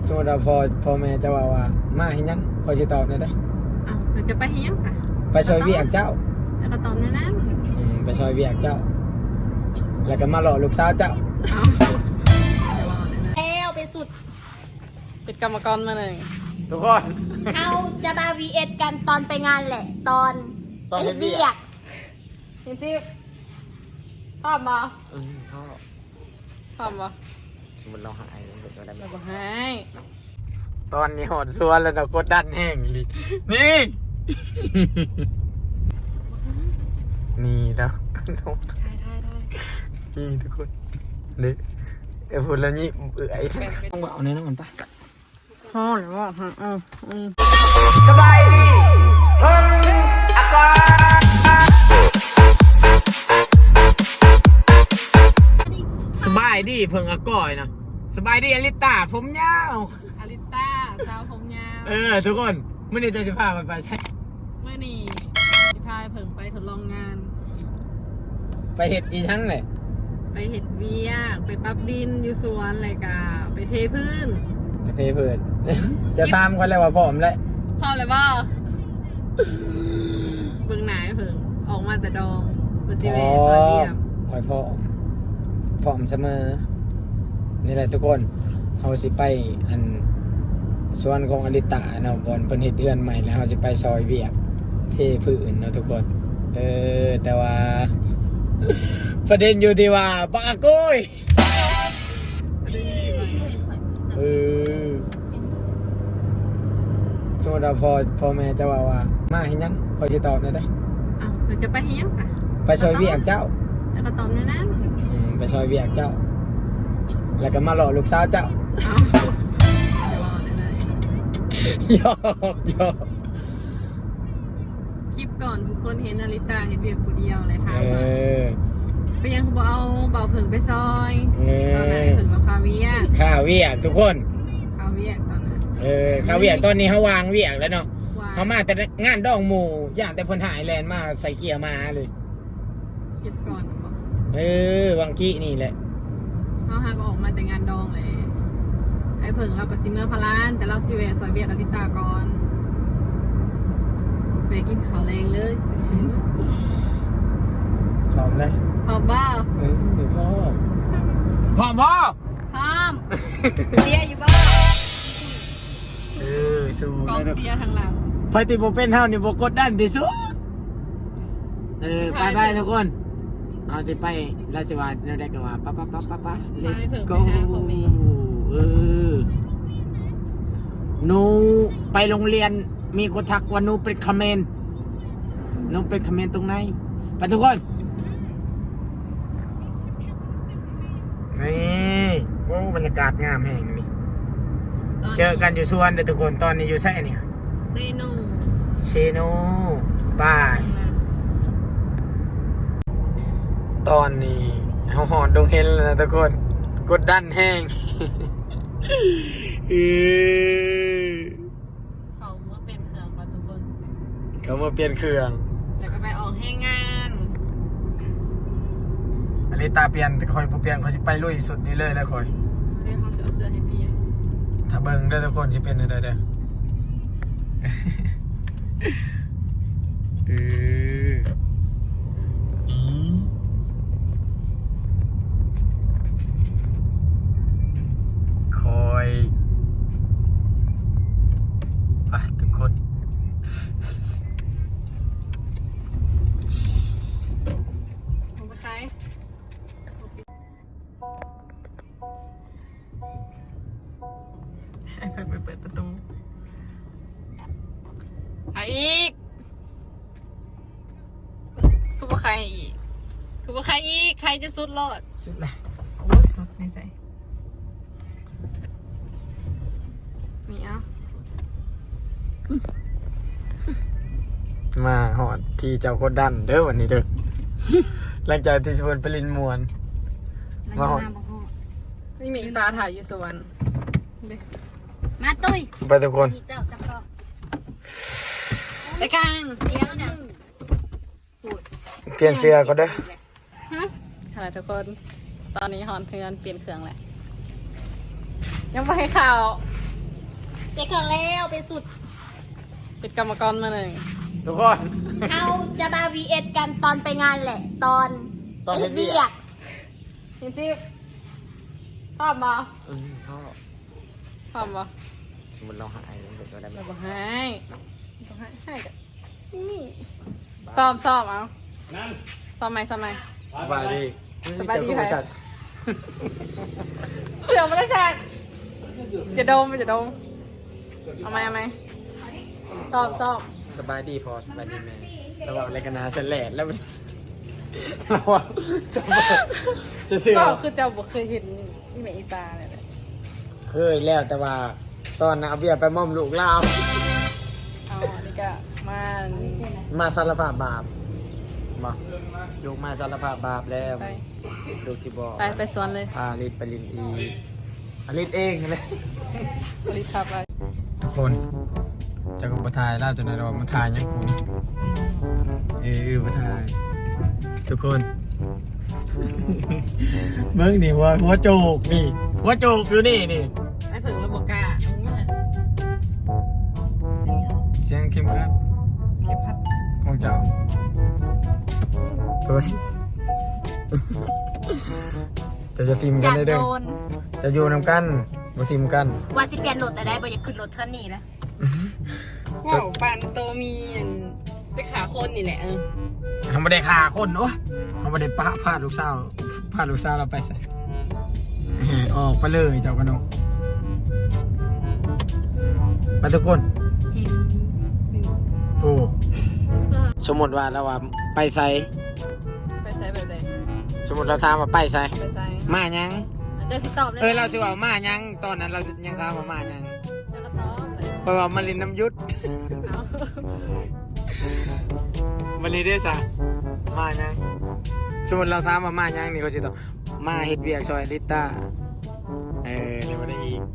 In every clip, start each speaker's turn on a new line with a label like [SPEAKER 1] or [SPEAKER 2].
[SPEAKER 1] สมมติว่าพ่อแม่จะว่ามาเห็นยังคอยจะตอบได้
[SPEAKER 2] อ้าวเราจะไปเฮียงจ้ะ
[SPEAKER 1] ไปซอยเวียกเจ้า
[SPEAKER 2] จะก็ตอบนั่น
[SPEAKER 1] ไปซอยเวียกเจ้าแล้วก็มาหล่อลูกสาวเจ้า
[SPEAKER 2] แล้วไปสุดเป็นกรรมกรมาเลย
[SPEAKER 1] ทุกคน
[SPEAKER 2] เอาจะมา VS กันตอนไปงานแหละตอนเวียกจริงๆพร้อมมาพร้อมมา
[SPEAKER 1] สมมติเราหาย
[SPEAKER 2] เราหาย
[SPEAKER 1] ตอนนี้หดส่วนแล้วเรากดดันแห้งเลยนี่นี่แล้วนี่ทุกคนนี่พูดแล้วนี่ต้องเอาแน่นอนปะ
[SPEAKER 2] พ่อหรือว่า
[SPEAKER 1] สบายดีเพิ่งอากาศสบายดีเพิ่งอากาศนะสบายดีอลิต้าผมยาว
[SPEAKER 2] อลิต้าสาวผมยาว
[SPEAKER 1] ทุกคนเมื่อนี้จะพาไปใช่
[SPEAKER 2] เมื่อนี้จะพาเพิ่งไปทดลองงาน
[SPEAKER 1] ไปเห็ดอีชั้งเลย
[SPEAKER 2] ไปเห็ดเวียกไปปั๊บดินอยู่สวนอะไรกะไปเทพื้น
[SPEAKER 1] เทพื้นจะตามกันเลยว่าพร้อมเลย
[SPEAKER 2] พร้อมเลยบ่เบิ่งหนาเพิ่งออกมาแต่ดองบนซีเวสอนเดียบ
[SPEAKER 1] คอยพร้อมเสมอนี่แหละทุกคนเขาสิไปอันส่วนของอลิตาเนาะบอลเพิ่นเฮ็ดเดือนใหม่แล้วเขาสิไปซอยเวียกเทพื้นเนาะทุกคนแต่ว่าประเด็นอยู่ที่ว่าบักกุยสมมติว่าพ่อแม่จะว่ามาเห็นยังคอยจะตอบได้
[SPEAKER 2] อ้าวเราจะไปเห็นยังจ้ะ
[SPEAKER 1] ไปซอยเวียกเจ้า
[SPEAKER 2] จะก็ตอบนั่น
[SPEAKER 1] ไปซอยเวียกเจ้าแล้วก็มาหล่อลูกสาวเจ้าหยอก
[SPEAKER 2] คลิปก่อนทุกคนเห็นนาริตาเห็นเวียกผู้เดียวอะไรทางมาไปยังเขาบอกเอาเบาเผิงไปซอยตอนไหนเผิงกับคาเวีย
[SPEAKER 1] ทุกคน
[SPEAKER 2] คาเวียตอนนั้น
[SPEAKER 1] คาเวียตอนนี้เขาวางเวียกแล้วเนาะเขามาแต่งานดองหมู่อย่างแต่คนหายแลนมาใส่เกียร์มาเลย
[SPEAKER 2] คลิปก่อนบอก
[SPEAKER 1] วังกี้นี่แหละ
[SPEAKER 2] เขาหาก็ออกมาแต่งานดองเลยไอ้เผิงเรากับจิเมอร์พลานแต่เราซีเวซอยเวียกับลิตาก่อนไปกินข้าวแรงเลย
[SPEAKER 1] พร้อมเลย
[SPEAKER 2] พร้อมบ้า
[SPEAKER 1] พร้อม
[SPEAKER 2] พร้อมเสียอยู่บ้า
[SPEAKER 1] สู้
[SPEAKER 2] กองเสียทางหลัง
[SPEAKER 1] ไฟติโบเป็นเท่านี่โบกดดันที่สุดไปทุกคนเอาสิไปราชวัฒน์เราได้กับว่าป้า let's go หนูไปโรงเรียนมีคนทักว่าหนูเป็นคอมเมนต์ตรงไหนไปทุกคนนี่โอ้บรรยากาศงามแห่งนี้เจอกันอยู่สวนเด้อทุกคนตอนนี้อยู่ไสเนี่ย
[SPEAKER 2] เซโน
[SPEAKER 1] บายตอนนี้เขาหอดดงเฮนแล้วนะทุกคนกดดันแห้ง
[SPEAKER 2] เขามาเปลี่ยนเครื่องป่ะทุกคน
[SPEAKER 1] เขามาเปลี่ยนเครื่อง
[SPEAKER 2] แล้วก็ไปออกให้งาน
[SPEAKER 1] อันนี้ตาเปลี่ยนแต่คอยเปลี่ยนเขาจะไปลุยสุดนี้เลยแล้วคอย
[SPEAKER 2] เดี๋ยวเขาจะเอาเสื้อให้พี่
[SPEAKER 1] ถ้าเบิ่งได้ทุกคนจะเป็นอะไรเด้คอยไปทุกคน
[SPEAKER 2] ผมไปใช้ให้เปิดประตูไปอีกคือว่าใครอีกใครจะสุดรอด
[SPEAKER 1] สุดละ
[SPEAKER 2] โอ้สุดนี่ใส่นี่อ่ะ
[SPEAKER 1] มาหอดที่เจ้าโคดันเด้อวันนี้เด้อหลังจากที่ชวนไปลินมวนมาหอด
[SPEAKER 2] นี่มีปลาถ่ายอยู่สวนมาตุ้ย
[SPEAKER 1] ไปทุกคน
[SPEAKER 2] ไปกลาง
[SPEAKER 1] เปลี่ยนเสื้อก็ได้
[SPEAKER 2] อะไรทุกคนตอนนี้ฮอนเทือนเปลี่ยนเครื่องแหละยังไม่ให้ข่าวเจ๊ของแล้วไปสุด
[SPEAKER 3] เป็นกรรมกรมาหนึ่ง
[SPEAKER 1] ทุกคน
[SPEAKER 2] เราจะมา VS กันตอนไปงานแหละ ตอน
[SPEAKER 1] เฮ็ดเวียก
[SPEAKER 3] จริงๆพร้อมบ่
[SPEAKER 1] พ่อ
[SPEAKER 3] พร้อมบ่
[SPEAKER 1] สมมติเราหายมันเป็นตัวได้ไหม
[SPEAKER 3] เราบ่ให้ให้กันนี่ซ้อมเอาซ้อมไหม
[SPEAKER 1] สบายดี
[SPEAKER 3] สบายดี
[SPEAKER 1] เจ้
[SPEAKER 3] ไหม
[SPEAKER 1] ของบริษัท
[SPEAKER 3] เสือไม่ได้แซงอย่าดมเอาไหมซ้อม
[SPEAKER 1] สบายดีพอสบายดีแม่ระหว่างรายการนาเสร็จแล้วแล้วมันเราอะจะเชื่อ
[SPEAKER 3] ก็คือเจ้าบ่เคยเห็นอีเมอีปลาเลย
[SPEAKER 1] เคยแล้วแต่ว่าตอนน่ะเอาเบียร์ไปมอมลูกเรา
[SPEAKER 3] เอาอันนี้ก็มา
[SPEAKER 1] มาสารภาพบาปมาลูกมาสารภาพบาปแล้ว
[SPEAKER 3] ไป
[SPEAKER 1] ลูกสิบอก
[SPEAKER 3] ไปสวนเลย
[SPEAKER 1] พาลิศไปลินอีลิศเองเลย
[SPEAKER 3] รีบพาไป
[SPEAKER 1] ทุกคนจะก็มาถ่ายเล่าจนเรามาถ่ายยังกูนี่มาถ่ายทุกคน เบิ้งดิหัวโจกนี่หัวโจกอยู่นี่
[SPEAKER 3] ไอ้เผิงระบบกล้ามึงไม่เสียง
[SPEAKER 1] เสียงเข้มขัด
[SPEAKER 3] เข็บพัด
[SPEAKER 1] ของเจ้าเฮ้ยจะทีม
[SPEAKER 2] อ
[SPEAKER 1] กัน
[SPEAKER 2] ยาก
[SPEAKER 1] ได้
[SPEAKER 2] โด
[SPEAKER 1] เด้อน จะอยู่นำกันมาทีมกัน
[SPEAKER 2] ว่าสิเปลี่ยนรถแต่ได้บ่อยากขึ้นรถเท่านี้นะ
[SPEAKER 3] ว้าวปันโตมีไปขาคนนี่แหละ
[SPEAKER 1] ทำไม่ได้ฆ่าคนโอ้ทำไม่ได้พาลูกสาวเราไปใส่ออกไปเลยเจ้ากันน้องไปทุกคนโอ้สมมติว่าเราว่าไปใส่
[SPEAKER 3] ไปใส่แบบไหน
[SPEAKER 1] สมมติเราถามว่าไปใส่
[SPEAKER 3] ไปใส่
[SPEAKER 1] มายัง
[SPEAKER 3] จะสิตอบเลย
[SPEAKER 1] เราสิว่ามายังตอนนั้นเรายังถามว่ามายัง
[SPEAKER 3] จะก็ตอบเลย
[SPEAKER 1] เพราะว่ามาลินน้ำยุด
[SPEAKER 3] เอา
[SPEAKER 1] วันนี้ได้สะมายังสมมติเราถามว่ามายังนี่เขาจะตอบมาเฮ็ดเวียกซอยลิต้าเดี๋ยวมาได้อีก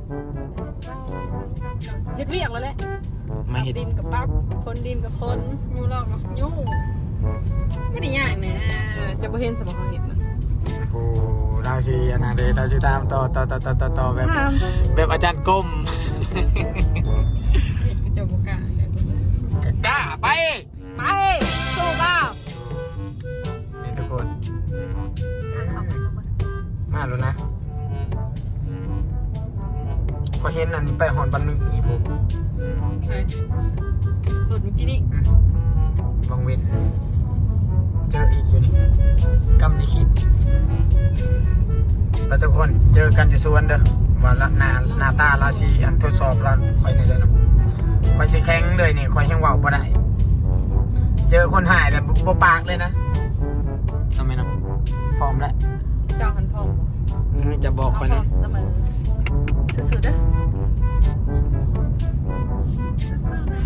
[SPEAKER 3] เฮ็ดเวียกแล้วแหละ
[SPEAKER 1] มาเฮ็ด
[SPEAKER 3] ดินกับปั๊บคนดินกับคนยูลอกกับยูไม่ได้ยากเนี่ยจะบ่เห็นสมองเห็นนะ
[SPEAKER 1] โอ้เราสิอันนั้นเลยเราสิตามต่อแบบอาจารย์ก้ม
[SPEAKER 3] เห็นก็จะบ่กล้าเลย
[SPEAKER 1] กล้าไป
[SPEAKER 3] ไปสู้เปล่า
[SPEAKER 1] นี่ทุกคน
[SPEAKER 2] เข้าไปก็บ่สิ
[SPEAKER 1] มาแล้วนะก็เห็นอันนี้ไปหอนบันมีอีผม
[SPEAKER 3] ไปหลุดเมื่อกี้นี่
[SPEAKER 1] บางเวนเจออีกอยู่นี่กำลิขิตแล้วทุกคนเจอกันอยู่สวนเด้อว่าละหน้าตาเราสิอันทดสอบเราคอยในเลยนะคอยสิแข็งเลยนี่คอยแข็งว่าวบ่ได้เจอคนหายแต่บ่ปากเลยนะทำไมนะพร้อมแล้ว
[SPEAKER 3] เจ้าหันพร้อม
[SPEAKER 1] จะบอกคน
[SPEAKER 3] พร้อ
[SPEAKER 1] นะ
[SPEAKER 3] มเสมอสุดๆเด้อสู้ๆนะ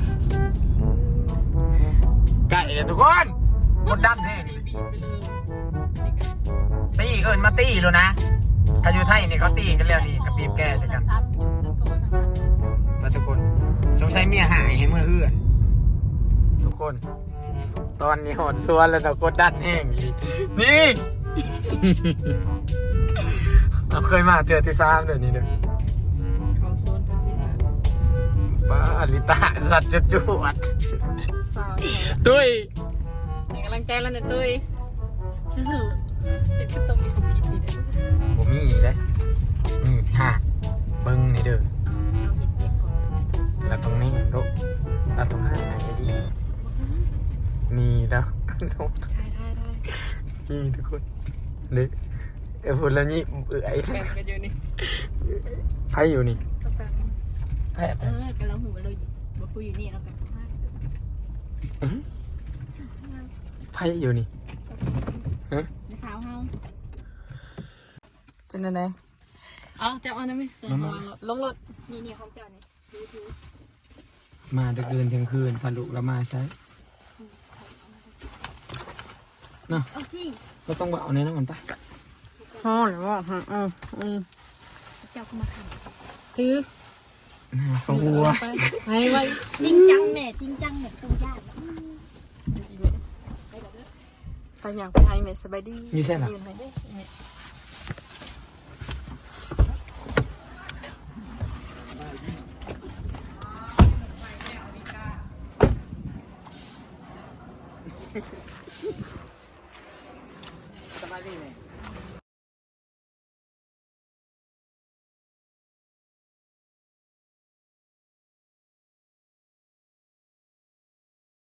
[SPEAKER 1] ไก่เลยทุกคนกดดันแน่นี่
[SPEAKER 3] บีบไปเลย
[SPEAKER 1] ตีเอินมาตีเลยนะถ้าอยู่ไทยนี่เขาตีกันแล้วนี่กับปีบแก้ใช่กันแล้วทุกคนสงสัยเมียหายให้เมื่อเฮือน ทุกคน ตอนนี้หดสวนแล้วเรากดดันแห้งอีกนี่ เราเคยมาเจอที่ซ้ำเดี๋ยวนี้เด้อ
[SPEAKER 3] เขาโซนเป็นที่สาม
[SPEAKER 1] ป้าลิตาสัตว์จุดจวด
[SPEAKER 3] ฟาว
[SPEAKER 1] ตุ้ย
[SPEAKER 3] ให้กำลังใจแล้วเนี่ยตุ้ยสู้ๆเด็กก็ต้องมีความคิดดีเด้อ
[SPEAKER 1] ผมมีอีกเลยนี่ฮะเบิ้งนี่เด้อ
[SPEAKER 3] เอาเห็ดเด็กก่อน
[SPEAKER 1] แล้วตรงนี้ลูกเราต้องหาไหนดีนี่แล้ว
[SPEAKER 3] ได้
[SPEAKER 1] นี่ทุกคนเด็กพูดแล้วนี่ไอ้
[SPEAKER 3] แบ่งกันอยู่นี่
[SPEAKER 1] ไพ่อยู่นี่
[SPEAKER 3] ก็แบ่ง
[SPEAKER 1] ไพ่
[SPEAKER 2] กันแล้วหูเลยบ่คุยอยู่นี่แล้วกันพลาด
[SPEAKER 1] ไพ่อยู่นี่
[SPEAKER 2] ในสาวเฮา
[SPEAKER 3] เป็นยังไงเอาจับเอาได้ไหมลงรถ
[SPEAKER 2] นี่ของเจ้านี่ดู
[SPEAKER 1] มาดึกเดินเที่ยงคืนพาลูกเรามาใช้เนาะ
[SPEAKER 2] เอาสิ
[SPEAKER 1] ก็ต้องเอาในนั้นมันปะ
[SPEAKER 3] พ่อหรือว่า
[SPEAKER 2] เจ้าก็มาท
[SPEAKER 3] ถือ
[SPEAKER 1] เขาวัว
[SPEAKER 3] ไปไว้
[SPEAKER 2] ำจริงจังแม่จริงจังเนี่ยต้องญาติ
[SPEAKER 3] ไปอย่างไปไทยเมสบายดี
[SPEAKER 1] นี่ใช่หรอสบายดีไหม